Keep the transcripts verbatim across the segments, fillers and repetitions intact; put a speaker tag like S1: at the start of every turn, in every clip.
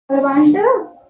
S1: ਪ੍ਰਬੰਧ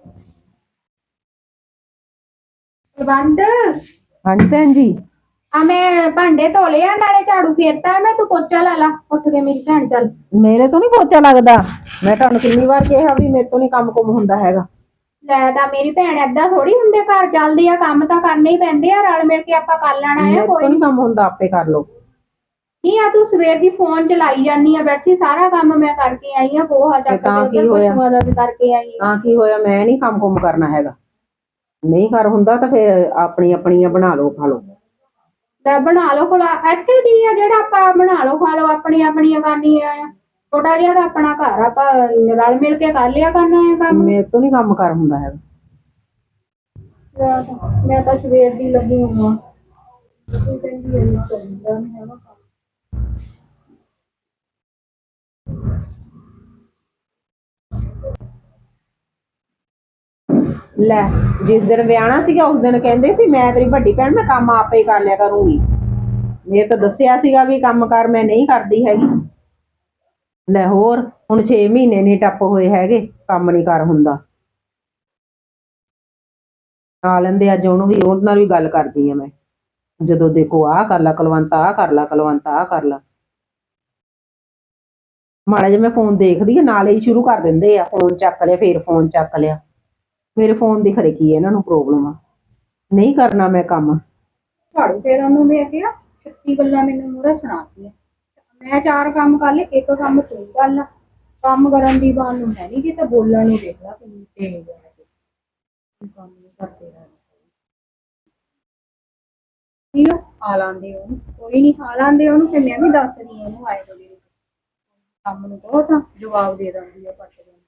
S1: ਪ੍ਰਬੰਧ
S2: ਹਾਂਜੀ ਭੈਣ ਜੀ।
S1: ਆ ਮੈਂ ਭਾਂਡੇ ਧੋ ਲਿਆ ਨਾਲੇ ਝਾੜੂ ਫੇਰਤਾ ਮੈਂ, ਤੂੰ ਪੋਚਾ ਲਾ ਲਾ ਉੱਠ ਕੇ ਮੇਰੀ ਭੈਣ। ਚੱਲ
S2: ਮੇਰੇ ਤੋਂ ਨਹੀਂ ਪੋਚਾ ਲੱਗਦਾ। ਮੈਂ ਤੁਹਾਨੂੰ ਕਿੰਨੀ ਵਾਰ ਕਿਹਾ ਵੀ ਮੇਰੇ ਤੋਂ ਨਹੀਂ ਕੰਮ ਕੁਮ ਹੁੰਦਾ ਹੈਗਾ।
S1: ਲੈ ਤਾਂ ਮੇਰੀ ਭੈਣ ਏਦਾਂ ਥੋੜੀ ਹੁੰਦੇ, ਘਰ ਚੱਲਦੇ ਆ, ਕੰਮ ਤਾਂ ਕਰਨੇ ਹੀ ਪੈਂਦੇ ਆ, ਰਲ ਮਿਲ ਕੇ ਆਪਾਂ ਕਰ ਲੈਣਾ ਆ।
S2: ਮੇਰੇ
S1: ਕੋਈ
S2: ਤੋਂ ਨਹੀਂ ਕੰਮ ਹੁੰਦਾ, ਆਪੇ ਕਰ ਲਓ।
S1: ਨਹੀਂ ਆ ਤੂੰ ਸਵੇਰ ਦੀ ਫੋਨ ਚਲਾਈ ਜਾਨੀ ਆ, ਬੈਠੀ ਸਾਰਾ ਕੰਮ ਮੈਂ ਕਰਕੇ ਆਈ ਆ, ਗੋਹਾ ਚੱਕ ਕੇ ਉਧਰ ਪਸ਼ੂਆਂ ਦਾ ਵੀ ਕਰਕੇ ਆਈ ਆ।
S2: ਤਾਂ ਕੀ ਹੋਇਆ, ਮੈਂ ਨਹੀਂ ਕੰਮ ਕੁਮ ਕਰਨਾ ਹੈਗਾ। ਨਹੀਂ ਕਰ ਹੁੰਦਾ ਤਾਂ ਫਿਰ ਆਪਣੀ ਆਪਣੀਆਂ ਬਣਾ ਲਓ ਖਾ ਲਓ।
S1: ਲੈ ਬਣਾ ਲਓ ਖਲਾ, ਇੱਥੇ ਕੀ ਆ ਜਿਹੜਾ ਆਪਾਂ ਬਣਾ ਲਓ ਖਾ ਲਓ ਆਪਣੀ ਆਪਣੀਆਂ ਕਰਨੀਆਂ ਆ। ਛੋਟਾ ਜਿਹਾ ਤਾਂ ਆਪਣਾ ਘਰ ਆਪਾਂ ਰਲ ਮਿਲ ਕੇ ਕਰ ਲਿਆ ਕਰਨਾ ਹੈ ਕੰਮ।
S2: ਮੇਰੇ ਤੋਂ ਨਹੀਂ ਕੰਮ ਕਰ ਹੁੰਦਾ ਹੈਗਾ।
S1: ਮੈਂ ਤਾਂ ਸਵੇਰ ਦੀ ਲੱਗੀ ਹੋਵਾਂ, ਤੂੰ ਕਹਿੰਦੀ ਐ ਕਰਦਾ ਨਹੀਂ ਹੈਗਾ ਕੰਮ।
S2: ਲੈ ਜਿਸ ਦਿਨ ਵਿਆਹਣਾ ਸੀਗਾ ਉਸ ਦਿਨ ਕਹਿੰਦੇ ਸੀ ਮੈਂ ਤੇਰੀ ਵੱਡੀ ਭੈਣ, ਮੈਂ ਕੰਮ ਆਪੇ ਕਰ ਲਿਆ ਕਰੂੰਗੀ। ਮੇਰੇ ਤਾਂ ਦੱਸਿਆ ਸੀਗਾ ਵੀ ਕੰਮ ਕਰ ਮੈਂ ਨਹੀਂ ਕਰਦੀ ਹੈਗੀ। ਲੈ ਹੋਰ ਹੁਣ ਛੇ ਮਹੀਨੇ ਨਹੀਂ ਟੱਪ ਹੋਏ ਹੈਗੇ, ਕੰਮ ਨਹੀਂ ਕਰ ਹੁੰਦਾ। ਆ ਲੈਂਦੇ ਅੱਜ ਉਹਨੂੰ ਵੀ, ਉਹਦੇ ਨਾਲ ਵੀ ਗੱਲ ਕਰਦੀ ਆ ਮੈਂ। ਜਦੋਂ ਦੇਖੋ ਆਹ ਕਰ ਲਾ ਕੁਲਵੰਤ, ਆਹ ਕਰ ਲਾ ਕੁਲਵੰਤ, ਆਹ ਕਰ ਲਾ। ਮਾੜਾ ਜਿਹਾ ਮੈਂ ਫੋਨ ਦੇਖਦੀ ਆ ਨਾਲੇ ਹੀ ਸ਼ੁਰੂ ਕਰ ਦਿੰਦੇ ਆ, ਫੋਨ ਚੱਕ ਲਿਆ ਫੇਰ ਫੋਨ ਚੱਕ ਲਿਆ। ਮੇਰੇ ਫੋਨ ਦੀ ਖਰੇ ਕੀ ਇਹਨਾਂ ਨੂੰ ਪ੍ਰੋਬਲਮ ਆ, ਨਹੀਂ ਕਰਨਾ ਮੈਂ ਕੰਮ।
S1: ਝਾੜੂ ਫੇਰਨ ਨੂੰ ਮੈਂ ਕਿਹਾ ਛੱਤੀ ਗੱਲਾਂ ਮੈਨੂੰ ਮੂਹਰੇ ਸੁਣਾਤੀਆਂ। ਮੈਂ ਚਾਰ ਕੰਮ ਕਰ ਲਏ, ਇੱਕ ਕੰਮ ਤੂੰ ਕਰ ਲਾ। ਕੰਮ ਕਰਨ ਦੀ ਬਾਤ ਨੂੰ ਹੈ ਨਹੀਂ, ਕਿਤੇ ਬੋਲਣ ਨੂੰ ਦੇਖ ਲਾ ਕਿੰਨੀ ਤੇਜ਼ ਹੈ। ਕੰਮ ਨਹੀਂ ਕਰਦੇ ਰਹਿਣਾ ਠੀਕ ਆ, ਆ ਲਾਂਦੇ ਉਹਨੂੰ, ਕੋਈ ਨਹੀਂ ਆ ਲਾਂਦੇ ਉਹਨੂੰ, ਫਿਰ ਮੈਂ ਵੀ ਦੱਸਦੀ ਉਹਨੂੰ ਆਏ ਥੋੜੀ ਕੰਮ ਨੂੰ ਬਹੁਤ ਆ, ਜਵਾਬ ਦੇ ਦਿੰਦੀ ਆ ਪੱਟ ਦੇ।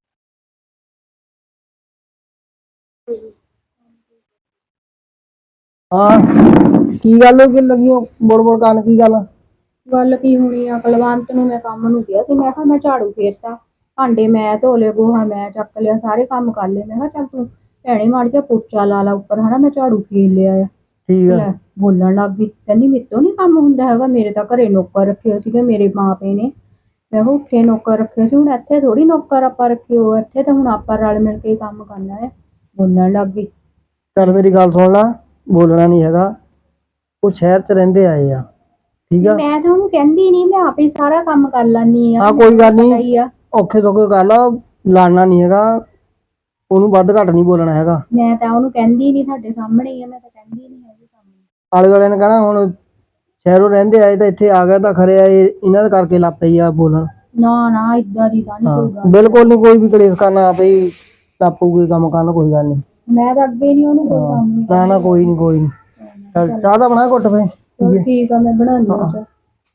S3: ਹਾਂ ਕੀ ਗੱਲ ਹੋ, ਕਿ ਲੱਗੀ ਬੋੜ ਬੋੜ ਕਰਨ, ਕੀ ਗੱਲ?
S1: ਗੱਲ ਕੀ ਹੋਣੀ ਆ, ਕੁਲਵੰਤ ਨੂੰ ਮੈਂ ਕੰਮ ਨੂੰ ਕਿਹਾ ਸੀ, ਮੈਂ ਕਿਹਾ ਮੈਂ ਝਾੜੂ ਫੇਰਤਾ, ਭਾਂਡੇ ਮੈਂ ਧੋ ਲਏ, ਗੋਹਾ ਮੈਂ ਚੱਕ ਲਿਆ, ਸਾਰੇ ਕੰਮ ਕਰ ਲਏ। ਮੈਂ ਕਿਹਾ ਚੱਲ ਤੂੰ ਭੈਣੇ ਮਾੜ ਜਿਹਾ ਪੋਚਾ ਲਾ ਲਾ ਉੱਪਰ, ਹਨਾ ਮੈਂ ਝਾੜੂ ਫੇਰ ਲਿਆ ਆ।
S3: ਠੀਕ ਆ।
S1: ਲੈ ਬੋਲਣ ਲੱਗ ਗਈ, ਕਹਿੰਦੀ ਮੇਰੇ ਤੋਂ ਨੀ ਕੰਮ ਹੁੰਦਾ ਹੈਗਾ, ਮੇਰੇ ਤਾਂ ਘਰੇ ਨੌਕਰ ਰੱਖੇ ਸੀਗੇ ਮੇਰੇ ਮਾਂ ਪਿਓ ਨੇ। ਮੈਂ ਕਿਹਾ ਉੱਥੇ ਨੌਕਰ ਰੱਖੇ ਸੀ, ਹੁਣ ਇੱਥੇ ਥੋੜੀ ਨੌਕਰ ਆਪਾਂ ਰੱਖੇ ਹੋ, ਇੱਥੇ ਤਾਂ ਹੁਣ ਆਪਾਂ ਰਲ ਮਿਲ ਕੇ ਕੰਮ ਕਰਨਾ ਹੈ। ਬੋਲਣ ਲੱਗ ਗਈ।
S3: ਚੱਲ ਮੇਰੀ ਗੱਲ ਸੁਣ ਲਾ, ਬੋਲਣਾ ਨਹੀਂ ਹੈਗਾ, ਉਹ ਸ਼ਹਿਰ ਚ ਰਹਿੰਦੇ ਆਏ ਆ, ਠੀਕ ਆ।
S1: ਮੈਂ ਤਾਂ ਉਹਨੂੰ ਕਹਿੰਦੀ ਨਹੀਂ, ਮੈਂ ਆਪੇ ਸਾਰਾ ਕੰਮ ਕਰ ਲੈਂਦੀ ਆ।
S3: ਹਾਂ ਕੋਈ ਗੱਲ ਨਹੀਂ, ਔਖੇ ਸੌਖੇ ਕਰ ਲਾ, ਲੜਨਾ ਨਹੀਂ ਹੈਗਾ, ਉਹਨੂੰ ਵੱਧ ਘੱਟ ਨਹੀਂ ਬੋਲਣਾ ਹੈਗਾ।
S1: ਮੈਂ ਤਾਂ ਉਹਨੂੰ ਕਹਿੰਦੀ ਨਹੀਂ, ਤੁਹਾਡੇ ਸਾਹਮਣੇ ਹੀ ਆ, ਮੈਂ ਤਾਂ ਕਹਿੰਦੀ ਨਹੀਂ ਹੈਗੀ ਕੰਮ।
S3: ਆਲੇ ਵਾਲਿਆਂ ਨੇ ਕਹਿਣਾ ਹੁਣ ਸ਼ਹਿਰੋਂ ਰਹਿੰਦੇ ਆਏ ਤਾਂ ਇੱਥੇ ਆ ਗਿਆ ਤਾਂ ਖਰੇ ਆਏ, ਇਹਨਾਂ ਦੇ ਕਰਕੇ ਲੱਗ ਪਈ ਆ ਬੋਲਣ।
S1: ਨਾ ਨਾ ਇਦਾਂ ਦੀ ਤਾਂ ਨਹੀਂ ਕੋਈ ਗੱਲ।
S3: ਬਿਲਕੁਲ ਨਹੀਂ, ਕੋਈ ਵੀ ਕਲੇਸ਼ ਕਰਨਾ ਆਪੇ ਹੀ ਟੱਪੂਗੀ ਕੰਮ ਕਰਨ, ਕੋਈ ਗੱਲ ਨਹੀਂ।
S1: ਮੈਂ ਤਾਂ ਅੱਗੇ ਨਹੀਂ ਉਹਨੂੰ ਕੋਈ ਕੰਮ
S3: ਨਾ ਨਾ ਕੋਈ ਨਹੀਂ ਕੋਈ ਨਹੀਂ। ਚੱਲ ਚਾਹ ਤਾਂ ਬਣਾ ਘੁੱਟ ਫੇ।
S1: ਚਲ ਠੀਕ ਆ, ਮੈਂ ਬਣਾਉਂਦੀ ਹਾਂ ਚਾਹ।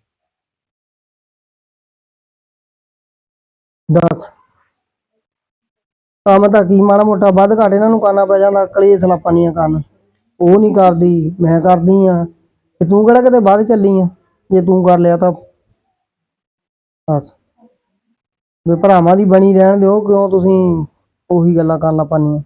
S3: ਦੱਸ ਕੰਮ ਤਾਂ ਕੀ ਮਾੜਾ ਮੋਟਾ ਵੱਧ ਘੱਟ ਇਹਨਾਂ ਨੂੰ ਕਰਨਾ ਪੈ ਜਾਂਦਾ, ਕਲੇਸ਼ ਲਾਪਾਂ ਕਰਨ। ਉਹ ਨਹੀਂ ਕਰਦੀ, ਮੈਂ ਕਰਦੀ ਆ, ਤੇ ਤੂੰ ਕਿਹੜਾ ਕਿਤੇ ਵੱਧ ਚੱਲੀ ਆ, ਜੇ ਤੂੰ ਕਰ ਲਿਆ ਤਾਂ ਬਸ ਵੀ ਭਰਾਵਾਂ ਦੀ ਬਣੀ ਰਹਿਣ ਦਿਓ, ਕਿਉਂ ਤੁਸੀਂ ਉਹੀ ਗੱਲਾਂ ਕਰਨ ਲੱਗ ਪੈਂਦੀਆਂ।